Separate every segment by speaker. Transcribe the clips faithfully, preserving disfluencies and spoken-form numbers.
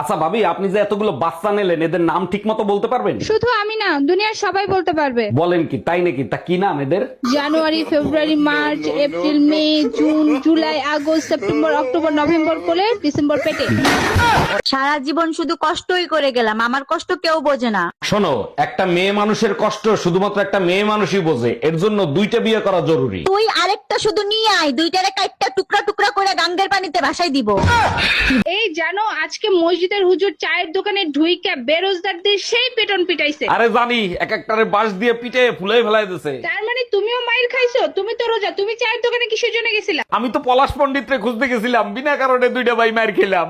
Speaker 1: আচ্ছা ভাবি, আপনি যে এতগুলো বাচ্চা নিলেন, এদের নাম ঠিক মতো বলতে পারবেন?
Speaker 2: শুধু আমি না, দুনিয়ার সবাই বলতে পারবে।
Speaker 1: বলেন কি, তাই নাকি? তা কি নাম এদের?
Speaker 2: January, February, March, April, May, June, July, August, September, October, November কোলে, ডিসেম্বর পেটে।
Speaker 3: সারা জীবন শুধু কষ্টই করে গেলাম, আমার কষ্ট কেউ বোঝে না।
Speaker 1: শোনো, একটা মেয়ে মানুষের কষ্ট শুধুমাত্র একটা মেয়ে মানুষই বোঝে, এর জন্য দুইটা বিয়ে করা জরুরি।
Speaker 3: তুই আরেকটা শুধু নিয়ে আয়, দুইটারে কাইটটা টুকরা টুকরা করে গাঙ্গের পানিতে ভাসাই দিব।
Speaker 2: এই জানো, আজকে মসজিদের হুজুর চায়ের দোকানে ঢুইকা বেরোজগারদের সেই পেটন পিটাইছে।
Speaker 1: আরে জানি, এক একটারে বাঁশ দিয়ে পিটে ফুলাই ফেলাই দিছে।
Speaker 2: তার মানে তুমিও মাইর খাইছো? তুমি তো রোজা, তুমি চায়ের দোকানে কিসের জন্য গেছিলা?
Speaker 1: আমি তো পলাশ পণ্ডিতরে খুঁজতে গেছিলাম, বিনা কারণে দুইটা ভাই মার খেলাম।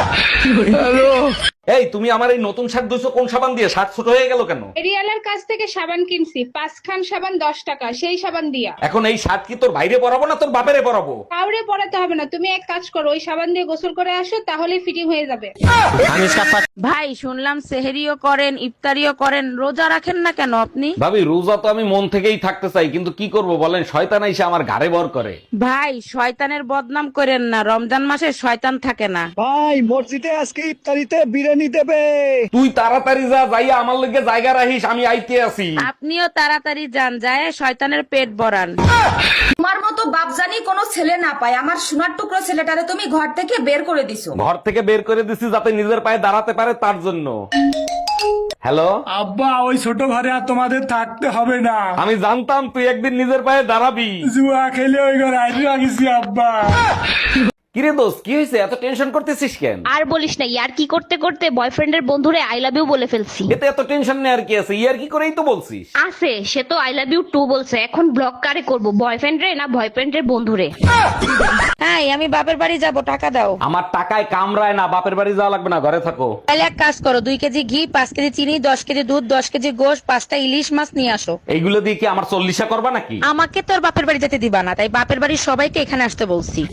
Speaker 1: এই তুমি আমার এই নতুন শার্ট ধুইছো কোন সাবান দিয়ে? শার্ট ছোট হয়ে গেল কেন?
Speaker 2: এরিয়ালার কাছ থেকে সাবান কিনছি, পাঁচখান সাবান দশ টাকা, সেই সাবান দিয়া।
Speaker 1: এখন এই শার্ট কি তোর বাইরে পরাবো না তোর বাপেরে পরাবো?
Speaker 2: কাউরে পড়াতে হবে না, তুমি এক কাজ করো, ওই সাবান দিয়ে গোসল করে আসো, তাহলে ফিটিং হয়ে যাবে।
Speaker 3: ভাই শুনলাম সেহেরিও করেন, ইফতারিও করেন, রোজা রাখেন না কেন আপনি?
Speaker 1: ভাবি, রোজা তো আমি মন থেকেই থাকতে চাই, কিন্তু কি করব বলেন, শয়তান এসে আমার ঘাড়ে ভর করে।
Speaker 3: ভাই শয়তানের বদনাম করেন না, রমজান মাসে শয়তান থাকে না।
Speaker 4: ভাই মসজিদে আজকে ইফতারিতে বিরিয়ানি দেবে।
Speaker 1: তুই তাড়াতাড়ি যা, যাইয়া আমার লগে জায়গা রাখিস, আমি আইতে আছি।
Speaker 3: আপনিও তাড়াতাড়ি যান, যায় শয়তানের পেট ভরান।
Speaker 5: তোমার মতো বাপজানি কোনো ছেলে না পায়, আমার সোনার টুকরো ছেলেটারে তুমি ঘর থেকে বের করে দিছো।
Speaker 1: ঘর থেকে বের করে দিছি যাতে নিজের পায়ে দাঁড়াতে পারে, তার জন্য। হ্যালো
Speaker 4: আব্বা, ওই ছোট ঘরে আর তোমাদের থাকতে হবে না।
Speaker 1: আমি জানতাম তুই একদিন নিজের পায়ে দাঁড়াবি।
Speaker 4: জুয়া খেলে ওই ঘরে আইডি রাখিছি আব্বা।
Speaker 1: কিরে দোস্ত, কি হয়েছে? এত টেনশন করতেছিস কেন?
Speaker 6: আর বলিস না, ইয়ার কি করতে করতে বয়ফ্রেন্ডের বন্ধুরে আই লাভ ইউ বলে ফেলছি।
Speaker 1: এতে এত টেনশন নেই আর কি আছে, ইয়ার কি করেই তো বলছিস।
Speaker 6: আছে, সে তো আই লাভ ইউ টু বলছে। এখন ব্লক কারে করব, বয়ফ্রেন্ড রে না বয়ফ্রেন্ডের বন্ধুরে?
Speaker 3: হ্যাঁ, আমি বাপের বাড়ি যাব, টাকা দাও।
Speaker 1: আমার টাকায় কামড়ায় না, বাপের বাড়ি যাওয়া লাগবে না, ঘরে থাকো।
Speaker 3: তাহলে এক কাজ করো, দুই কেজি ঘি, পাঁচ কেজি চিনি, দশ কেজি দুধ, দশ কেজি গোশ, পাঁচটা ইলিশ মাছ নিয়ে আসো।
Speaker 1: এইগুলো দিয়ে কি আমার চল্লিশা করবা নাকি?
Speaker 3: আমাকে তোর বাপের বাড়ি যেতে দিবা না, তাই বাপের বাড়ির সবাইকে এখানে আসতে বলছি।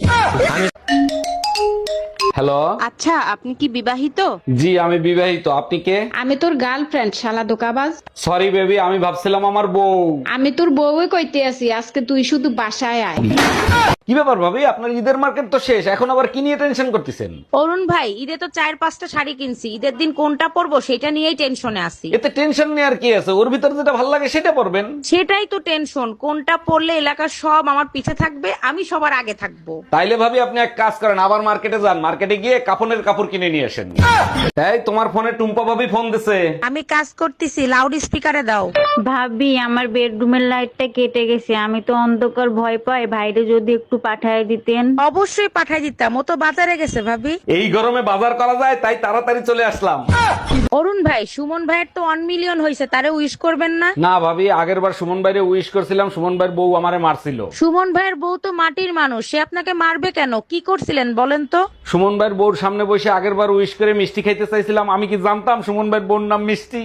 Speaker 1: হ্যালো,
Speaker 2: আচ্ছা, আপনি কি বিবাহিত?
Speaker 1: জি আমি বিবাহিত। আপনি কে?
Speaker 2: আমি তোর গার্লফ্রেন্ড, শালা দোকাবাজ।
Speaker 1: সরি বেবি, আমি ভাবছিলাম আমার বউ।
Speaker 2: আমি তোর বউই কইতে আছি, আজকে তুই শুধু বাসায় আয়।
Speaker 1: কি ব্যাপার ভাবি, আপনার ঈদের মার্কেট তো শেষ, এখন আবার কি নিয়ে টেনশন করতেছেন?
Speaker 3: অরুণ ভাই, ঈদে তো চার পাঁচটা শাড়ি কিনছি, ঈদের দিন কোনটা পরবো সেটা নিয়েই টেনশনে আছি।
Speaker 1: এতে টেনশন নেই আর কি আছে, ওর ভিতর যেটা ভালো লাগে সেটা পরবেন।
Speaker 3: সেটাই তো টেনশন, কোনটা পরলে এলাকার সব আমার পিছে থাকবে, আমি সবার আগে থাকবো।
Speaker 1: তাইলে ভাবি আপনি এক কাজ করেন, আবার মার্কেটে যান, মার্কেটে গিয়ে কাপড়ের কাপড় কিনে নিয়ে আসেন। তাই তোমার ফোনে টুম্পা ভাবি ফোন দিছে।
Speaker 3: আমি কাজ করতেছি, লাউড স্পিকারে দাও।
Speaker 7: ভাবি, আমার বেডরুমের লাইটটা কেটে গেছে, আমি তো অন্ধকার ভয় পাই, ভাইরে যদি একটু পাঠায় দিতেন।
Speaker 3: অবশ্যই পাঠাই দিতাম, ও তো বাজারে গেছে ভাবি।
Speaker 1: এই গরমে বাজার করা যায়, তাই তাড়াতাড়ি চলে আসলাম।
Speaker 3: অরুণ ভাই, সুমন ভাইয়ের তো ওয়ান মিলিয়ন হয়েছে, তারে উইশ করবেন না?
Speaker 1: না ভাবি, আগের বার সুমন ভাইরে উইশ করছিলাম, সুমন ভাইয়ের বউ আমারে মারছিল।
Speaker 3: সুমন ভাইয়ের বউ তো মাটির মানুষ, সে আপনাকে মারবে কেন? কি করছিলেন বলেন তো?
Speaker 1: সুমন ভাইয়ের বউর সামনে বসে আগের বার উইশ করে মিষ্টি খাইতে চাইছিলাম, আমি কি জানতাম সুমন ভাইয়ের বউর নাম মিষ্টি?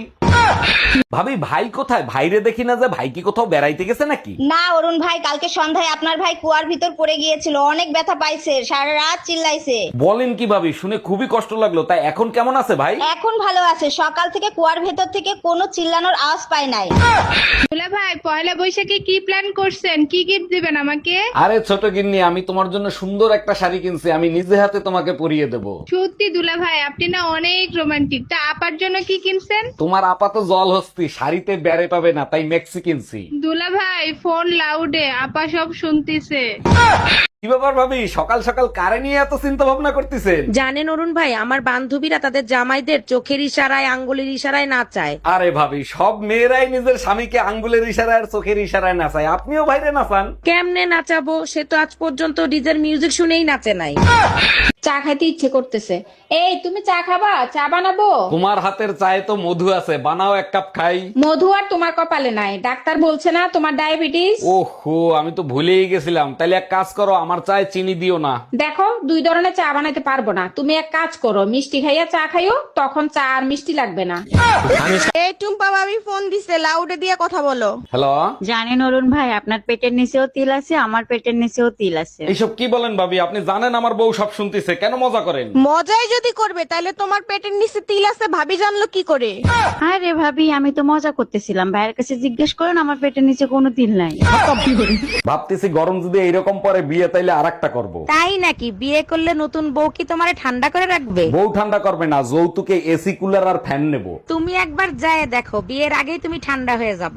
Speaker 1: ভাবি, ভাই কোথায়? ভাইরে দেখি না যে, ভাই কি কোথাও বেড়াইতে গেছে নাকি?
Speaker 8: না অরুণ ভাই, কালকে সন্ধ্যায় আপনার ভাই কুয়ার ভিতর পড়ে গিয়েছিল, অনেক ব্যথা পাইছে, সারা রাত চিল্লাইছে।
Speaker 1: বলেন কি ভাবি, শুনে খুবই কষ্ট লাগলো। তাই এখন কেমন আছে ভাই?
Speaker 8: এখন ভালো আছে, সকাল থেকে কুয়ার ভেতর থেকে কোনো চিল্লানোর আওয়াজ পায় নাই।
Speaker 2: দুলা ভাই, পয়লা বৈশাখে কি প্ল্যান করছেন? কি গিফট দিবেন আমাকে?
Speaker 1: আরে ছোট গিন্নি, আমি তোমার জন্য সুন্দর একটা শাড়ি কিনছি, আমি নিজে হাতে তোমাকে পরিয়ে দেব।
Speaker 2: সত্যি দুলা ভাই, আপনি না অনেক রোমান্টিক। তা আপার জন্য কি কিনছেন?
Speaker 1: তোমার আপাত জল হস্তি, শাড়িতে বেড়ে পাবে না, তাই মেক্সি কিনছি।
Speaker 2: দুলা ভাই, ফোন লাউডে, আপা সব শুনতিছে।
Speaker 1: কি ব্যাপার ভাবি, সকাল সকাল কারে নিয়ে এত চিন্তা ভাবনা করতেছেন?
Speaker 3: জানেন অরুণ ভাই, আমার বান্ধবীরা তাদের জামাইদের চোখের ইশারায়, আঙ্গুলের ইশারায় নাচায়।
Speaker 1: আরে ভাবি, সব মেয়েরাই নিজের স্বামীকে আঙ্গুলের ইশারায় আর চোখের ইশারায় নাচায়, আপনিও বাইরে নাচান।
Speaker 3: কেমনে নাচাবো? সে তো আজ পর্যন্ত ডিজের মিউজিক শুনেই নাচে নাই।
Speaker 2: চা খাইতে ইচ্ছে করতেছে। এই, তুমি চা খাবা? চা বানাবো?
Speaker 1: তোমার হাতের চায়ে তো মধু আছে, বানাও এক কাপ খাই।
Speaker 2: মধু আর তোমার কপালে নাই, ডাক্তার বলছে না তোমার ডায়াবেটিস।
Speaker 1: ওহো, আমি তো ভুলেই গেছিলাম। তাইলে এক কাজ করো, আমার চায়ে চিনি দিও না।
Speaker 2: দেখো, দুই ধরনের চা বানাইতে পারবো না, তুমি এক কাজ করো, মিষ্টি খাইয়া চা খাইও, তখন চা আর মিষ্টি লাগবে না।
Speaker 3: এই টুম্পা ভাবি ফোন দিছে, লাউডে দিয়ে কথা বলো।
Speaker 1: হ্যালো,
Speaker 7: জানেন অরুণ ভাই, আপনার পেটের নিচেও তিল আছে, আমার পেটের নিচেও তিল আছে।
Speaker 1: এইসব কি বলেন ভাবি? আপনি জানেন আমার বউ সব শুনতেছে, কেন মজা করেন?
Speaker 3: মজাই যদি করবে তাহলে তোমার পেটের নিচে তিল আছে ভাবি জানলো কি করে?
Speaker 7: আরে ভাবি, আমি তো মজা করতেছিলাম, ভাইয়ের কাছে জিজ্ঞেস করেন, আমার পেটের নিচে কোনো তিল নাই।
Speaker 1: ভাবতেছি গরম যদি এইরকম পরে বিয়ে, তাইলে চাইলে আরেকটা করব।
Speaker 3: তাই নাকি? বিয়ে করলে নতুন বউ কি তোমারে ঠান্ডা করে রাখবে?
Speaker 1: বউ ঠান্ডা করবে না, যৌতুকে এসি কুলার আর ফ্যান নেব।
Speaker 3: তুমি একবার যায় দেখো, বিয়ের আগেই তুমি ঠান্ডা হয়ে যাবা।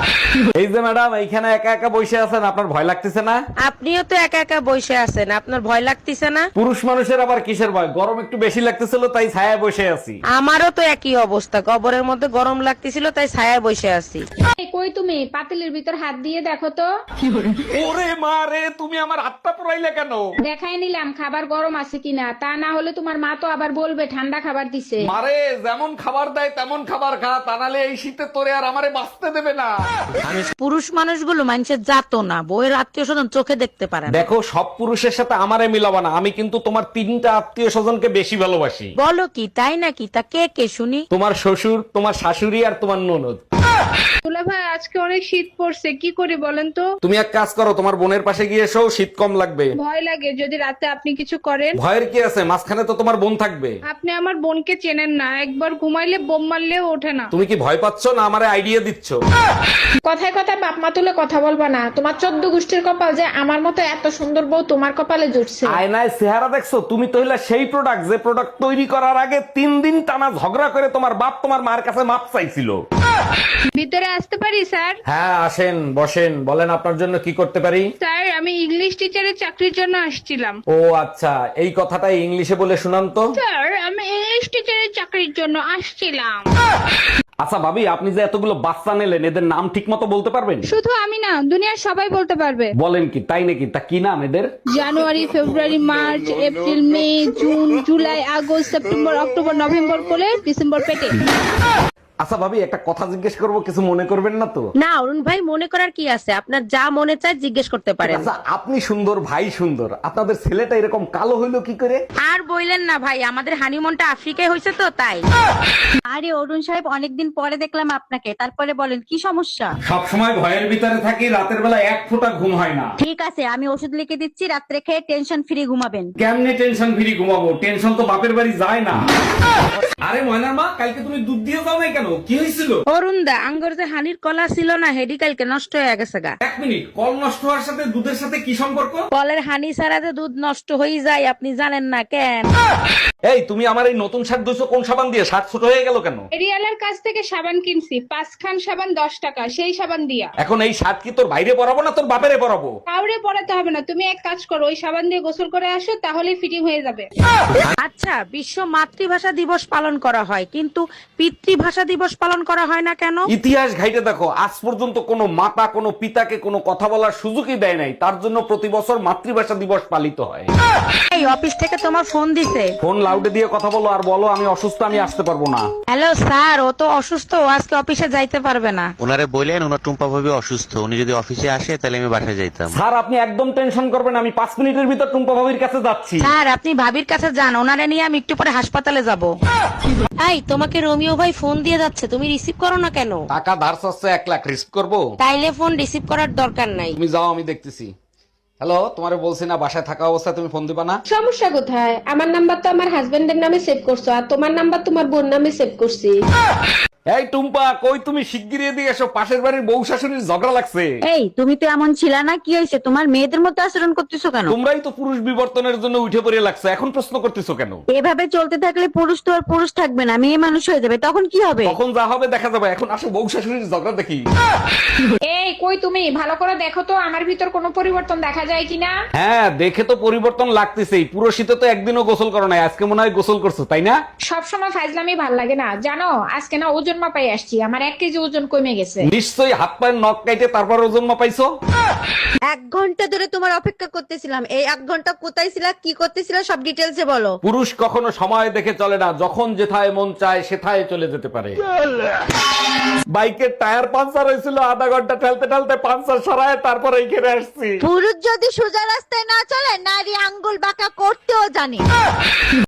Speaker 1: এই যে ম্যাডাম এইখানে একা একা বসে আছেন, আপনার ভয় লাগতেছে না?
Speaker 3: আপনিও তো একা একা বসে আছেন, আপনার ভয় লাগতেছে না?
Speaker 1: পুরুষ মানুষের আবার কিসের ভয়? গরম একটু বেশি লাগতেছিল তাই ছায়ায় বসে আছি।
Speaker 3: আমারও তো একই অবস্থা, কবরের মধ্যে গরম লাগতেছিল তাই ছায়ায় বসে আছি।
Speaker 2: কই তুমি পাতিলের ভিতর হাত দিয়ে দেখো তো।
Speaker 1: ওরে মা রে, তুমি আমার হাতটা পুরাইলে কেন?
Speaker 2: দেখাই নিলাম খাবার গরম আছে কিনা, তা না হলে তোমার মা তো আবার বলবে ঠান্ডা খাবার দিছে।
Speaker 1: মারে যেমন খাবার দেয় তেমন খাবার খা, তা নাহলে এই শীতে তোরে আর আমারে বাঁচতে দেবে না।
Speaker 3: পুরুষ মানুষগুলো মানুষের জাতো না, বউয়ের আত্মীয় স্বজন চোখে দেখতে পারে না।
Speaker 1: দেখো সব পুরুষের সাথে আমারে মিলাবা না, আমি কিন্তু তোমার তিনটা আত্মীয় স্বজনকে বেশি ভালোবাসি।
Speaker 3: বলো কি, তাই নাকি? তা কে কে শুনি?
Speaker 1: তোমার শ্বশুর, তোমার শাশুড়ি আর তোমার ননদ।
Speaker 2: দুলা ভাই আজকে অনেক শীত পড়ছে, কি করি বলেন তো?
Speaker 1: তুমি এক কাজ করো, তোমার বোনের পাশে গিয়ে এসো, শীত কম লাগবে।
Speaker 2: ভয় লাগে যদি রাতে আপনি কিছু করেন।
Speaker 1: ভয়ের কি আছে, মাঝখানে তো তোমার বোন থাকবে।
Speaker 2: আপনি আমার বোনকে চেনেন না, একবার ঘুমাইলে বোম মারলেও ওঠে না।
Speaker 1: তুমি কি ভয় পাচ্ছ না আমারে আইডিয়া দিচ্ছ?
Speaker 2: কথায় কথায় বাপ মা তুলে কথা বলবা না, তোমার চোদ্দ গোষ্ঠীর কপাল যে আমার মতো এত সুন্দর বউ তোমার কপালে জুটছে।
Speaker 1: আয়নায় চেহারা দেখছো? তুমি তো হইলা সেই প্রোডাক্ট যে প্রোডাক্ট তৈরি করার আগে তিন দিন টানা ঝগড়া করে তোমার বাপ তোমার মার কাছে মাপ চাইছিল।
Speaker 2: ভিতরে আসতে পারি স্যার?
Speaker 1: হ্যাঁ আসেন, বসেন, বলেন আপনার জন্য কি করতে পারি।
Speaker 2: স্যার আমি ইংলিশ টিচারের চাকরির জন্য আসছিলাম।
Speaker 1: ও আচ্ছা, এই কথাটা ইংলিশে বলে শুনান তো।
Speaker 2: স্যার আমি ইংলিশ টিচারের চাকরির জন্য আসছিলাম।
Speaker 1: আচ্ছা ভাবি, আপনি যে এতগুলো বাচ্চা নিলেন এদের নাম ঠিক মতো বলতে পারবেন?
Speaker 2: শুধু আমি না, দুনিয়ার সবাই বলতে পারবে।
Speaker 1: বলেন কি, তাই নাকি? তা কি নাম এদের?
Speaker 2: January, February, March, April, May, June, July, August, September, October, November করে ডিসেম্বর পেটে।
Speaker 1: আচ্ছা ভাবি, একটা কথা জিজ্ঞেস করবো, কিছু মনে করবেন না তো?
Speaker 3: না অরুণ ভাই, মনে করার কি আছে, আপনার যা মনে চায় জিজ্ঞেস করতে পারেন।
Speaker 1: আচ্ছা আপনি সুন্দর, ভাই সুন্দর, আপনাদের ছেলেটা এরকম কালো হইলো কি করে?
Speaker 3: আর বইলেন না ভাই, আমাদের হানিমুনটা আফ্রিকায় হয়েছে তো তাই।
Speaker 7: আরে অরুণ সাহেব, অনেকদিন পরে দেখলাম আপনাকে, তারপরে বলেন কি সমস্যা?
Speaker 1: সব সময় ভয়ের ভিতরে থাকি, রাতের বেলা এক ফোঁটা ঘুম হয় না।
Speaker 7: ঠিক আছে, আমি ওষুধ লিখে দিচ্ছি, রাত্রে খেয়ে টেনশন ফ্রি ঘুমাবেন।
Speaker 1: কেমনে টেনশন ফ্রি ঘুমাবো? টেনশন তো বাপের বাড়ি যায় না। আরে ময়নার মা, কালকে তুমি দুধ দিয়ে যাও নাই কেন? কি হয়েছিল?
Speaker 3: অরুণ দা, আঙ্গর যে হানির কলা ছিল না, হেডি কালকে নষ্ট হয়ে গেছে গা।
Speaker 1: এক মিনিট, কল নষ্ট হওয়ার সাথে দুধের সাথে কি সম্পর্ক?
Speaker 3: কলের হানি ছাড়া যে দুধ নষ্ট হয়ে যায় আপনি জানেন না কেন?
Speaker 1: এই তুমি আমার এই নতুন শার্ট ধুইছো কোন সাবান দিয়ে? শার্ট ছোট হয়ে গেল কেন?
Speaker 2: এরিয়ালার কাছ থেকে সাবান কিনছি, পাঁচ খান সাবান দশ টাকা, সেই সাবান দিয়া।
Speaker 1: এখন এই শার্ট কি তোর বাইরে পরাবো না তোর বাপেরে পরাবো?
Speaker 2: কাউরে পড়াতে হবে না, তুমি এক কাজ করো, ওই সাবান দিয়ে গোসল করে আসো, তাহলেই ফিটিং হয়ে যাবে।
Speaker 3: আচ্ছা, বিশ্ব মাতৃভাষা দিবস পালন করা হয় কিন্তু পিতৃভাষা দিবস পালন করা হয় না কেন?
Speaker 1: ইতিহাস ঘাইটে দেখো, আজ পর্যন্ত কোনো মাতা কোনো পিতাকে কোনো কথা বলার সুযোগই দেয় নাই, তার জন্য প্রতি বছর মাতৃভাষা দিবস পালিত হয়।
Speaker 3: এই অফিস থেকে তোমার ফোন দিছে।
Speaker 1: ফোন লাউডে দিয়ে কথা বলো আর বলো আমি অসুস্থ, আমি আসতে পারবো না।
Speaker 3: হ্যালো স্যার, ও তো অসুস্থ, ও আজকে অফিসে যাইতে পারবে না।
Speaker 9: ওনারে বললেন ওনার টুম্পা ভাবি অসুস্থ, উনি যদি অফিসে আসে তাহলে আমি বাসায় যাইতাম।
Speaker 1: স্যার আপনি একদম টেনশন করবেন, আমি পাঁচ মিনিটের ভিতর টুম্পা ভাবির কাছে যাচ্ছি।
Speaker 3: স্যার আপনি ভাবির কাছে যান, ওনারে নিয়ে আমি একটু পরে হাসপাতালে যাব। এই তোমাকে রোমিও ভাই ফোন দিয়ে যাচ্ছে, তুমি রিসিভ করো না কেন?
Speaker 1: টাকা ধার চাচ্ছে এক লাখ, রিস্ক করবো?
Speaker 3: তাইলে ফোন রিসিভ করার দরকার নাই।
Speaker 1: তুমি যাও, আমি দেখতেছি। হ্যালো, তোমারে বলছি না বাসায় থাকা অবস্থায় তুমি ফোন দিবা না?
Speaker 2: সমস্যা কোথায়? আমার নাম্বার তো আমার হাজবেন্ডের নামে সেভ করছো, আর তোমার নাম্বার তোমার বোন নামে সেভ করছি।
Speaker 1: এই টুম্পা, কই তুমি? শিগগিরই এদিকে এসো, পাশের বাড়ির বউ শাশুড়ির ঝগড়া লাগছে।
Speaker 7: এই তুমি তো এমন ছিল না, কি হয়েছে? তোমার মেয়েদের মতো আচরণ করতেছো কেন?
Speaker 1: তোমরাই তো পুরুষ বিবর্তনের জন্য উঠে পড়ে লাগছে, এখন প্রশ্ন করতেছো কেন?
Speaker 7: এভাবে চলতে থাকলে পুরুষ তো আর পুরুষ থাকবে না, মেয়ে মানুষ হয়ে যাবে, তখন কি হবে?
Speaker 1: তখন যা হবে দেখা যাবে, এখন আসো বউ শাশুড়ির ঝগড়া দেখি।
Speaker 2: এই কই তুমি? ভালো করে দেখো তো আমার ভিতর কোনো পরিবর্তন দেখা যায় কিনা।
Speaker 1: হ্যাঁ, দেখে তো পরিবর্তন লাগতেছেই। পুরো শীতে তো একদিনও গোসল করো নাই, আজকে মনে হয় গোসল করছো, তাই না?
Speaker 2: সবসময় ফাইজলামি ভাল লাগে না, জানো আজকে না ওজন মাপাই আসছি, আমার এক কেজি ওজন কমে গেছে।
Speaker 1: নিশ্চয়ই হাত পায়ের নখ কাইটে তারপর ওজন মাপাইছো।
Speaker 7: এক ঘন্টা ধরে তোমার অপেক্ষা করতেছিলাম, এই এক ঘন্টা কোথায় ছিলা, কি করতেছিলা, সব ডিটেলসে বলো।
Speaker 1: পুরুষ কখনো সময় দেখে চলে না, যখন যেথায় মন চায় সেথায় চলে যেতে পারে। বাইকের টায়ার পাঞ্চার হয়েছিল, আধা ঘন্টা ঠেলতে ঠেলতে পাঞ্চার সরায় তারপর এইখানে আসছি।
Speaker 7: পুরুষ যদি সোজা রাস্তায় না চলে, নারী আঙ্গুল বাঁকা করতেও জানে।